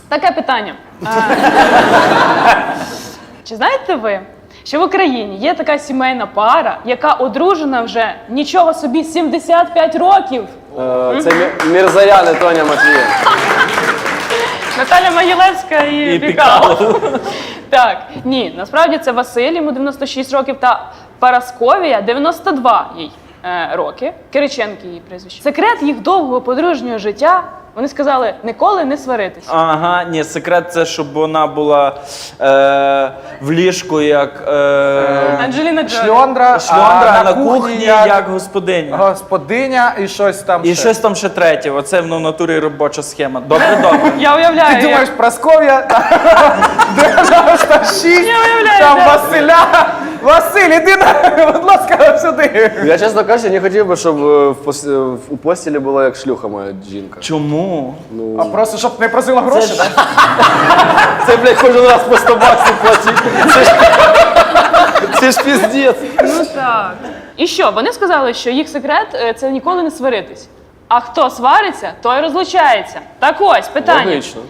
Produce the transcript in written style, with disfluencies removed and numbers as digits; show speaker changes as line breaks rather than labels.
Таке питання. Чи знаєте ви, що в Україні є така сімейна пара, яка одружена вже нічого собі 75 років?
Це Мірзаян і Тоня Матвієнко.
Наталя Могилевська і Пікало. Так, ні, насправді це Василь, йому 96 років, та Парасковія, 92 їй роки. Кириченки її прізвище. Секрет їх довгого подружнього життя, вони сказали, ніколи не сваритись.
Ага, ні, секрет це, щоб вона була в ліжку як
Анджеліна Джолі.
Шльондра,
шльондра,
а
на кухні як господиня.
господиня і щось там
І
ще.
щось там ще третє. Оце в натурі робоча схема. Добре, добре.
Я уявляю.
Ти думаєш, Прасков'я, 96,
Я уявляю,
там
да.
Василя. Василь, іди, будь ласка, сюди.
Я, чесно кажучи, не хотів би, щоб у постілі була як шлюха моя жінка.
Чому?
А просто, щоб не просила гроші, так?
Це, блядь, кожен раз по 100 баксів платить. Це ж піздець.
Ну так. І що? Вони сказали, що їх секрет це ніколи не сваритись. А хто свариться, той розлучається. Так ось, питання.
Логічно.